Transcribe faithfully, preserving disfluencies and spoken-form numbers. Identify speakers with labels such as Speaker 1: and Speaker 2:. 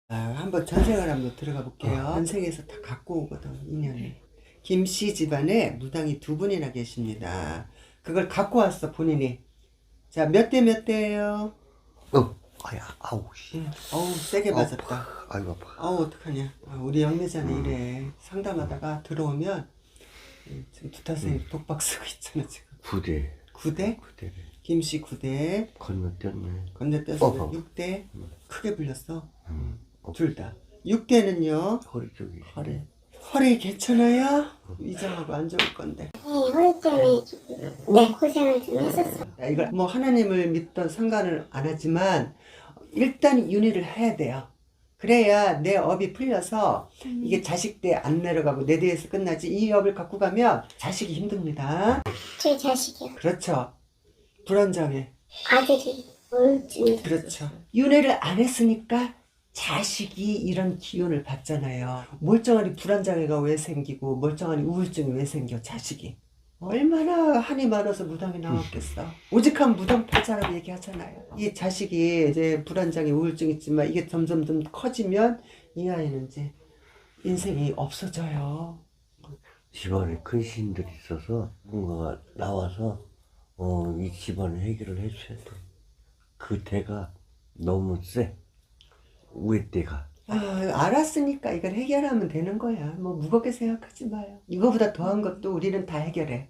Speaker 1: 아, 한번 전생을 한번 들어가 볼게요. 전생에서 다 갖고 오거든, 인연을. 김씨 집안에 무당이 두 분이나 계십니다. 그걸 갖고 왔어, 본인이. 자, 몇 대 몇 대예요?
Speaker 2: 어, 아야, 아우, 씨.
Speaker 1: 응. 어우, 세게 맞았다.
Speaker 2: 아파. 아이고, 아파.
Speaker 1: 어우, 어떡하냐. 아, 우리 영매자는
Speaker 2: 음.
Speaker 1: 이래. 상담하다가 들어오면, 음, 지금 두타 선생님 독박 쓰고 있잖아, 지금.
Speaker 2: 구대.
Speaker 1: 구 대?
Speaker 2: 구대래.
Speaker 1: 김씨 구 대.
Speaker 2: 건너뛰었네.
Speaker 1: 건너뛰어서
Speaker 2: 어허.
Speaker 1: 육 대. 크게 불렸어.
Speaker 2: 음. 어,
Speaker 1: 둘 다. 육 대는요,
Speaker 2: 허리 쪽이.
Speaker 1: 허리. 허리 괜찮아요? 위장하고 안 좋을 건데.
Speaker 3: 네, 허리 때문에 네, 고생을 좀 했었어요.
Speaker 1: 야, 이걸 뭐 하나님을 믿던 상관을 안 하지만 일단 윤회를 해야 돼요. 그래야 내 업이 풀려서 이게 자식 대 안 내려가고 내 대에서 끝나지. 이 업을 갖고 가면 자식이 힘듭니다.
Speaker 3: 제 자식이요.
Speaker 1: 그렇죠. 불안정해.
Speaker 3: 아들이 우울증이.
Speaker 1: 그렇죠. 윤회를 안 했으니까 자식이 이런 기운을 받잖아요. 멀쩡하니 불안장애가 왜 생기고 멀쩡하니 우울증이 왜 생겨, 자식이. 얼마나 한이 많아서 무당이 나왔겠어. 오직한 무당 팔자라고 얘기하잖아요. 이 자식이 이제 불안장애 우울증 있지만 이게 점점 점 커지면 이 아이는 이제 인생이 없어져요.
Speaker 2: 집안에 큰 신들이 있어서 뭔가가 나와서 어, 이 집안을 해결을 해줘야 돼. 그 대가 너무 세. 위에 대가.
Speaker 1: 아, 알았으니까 이걸 해결하면 되는 거야. 뭐 무겁게 생각하지 마요. 이거보다 더한 것도 우리는 다 해결해.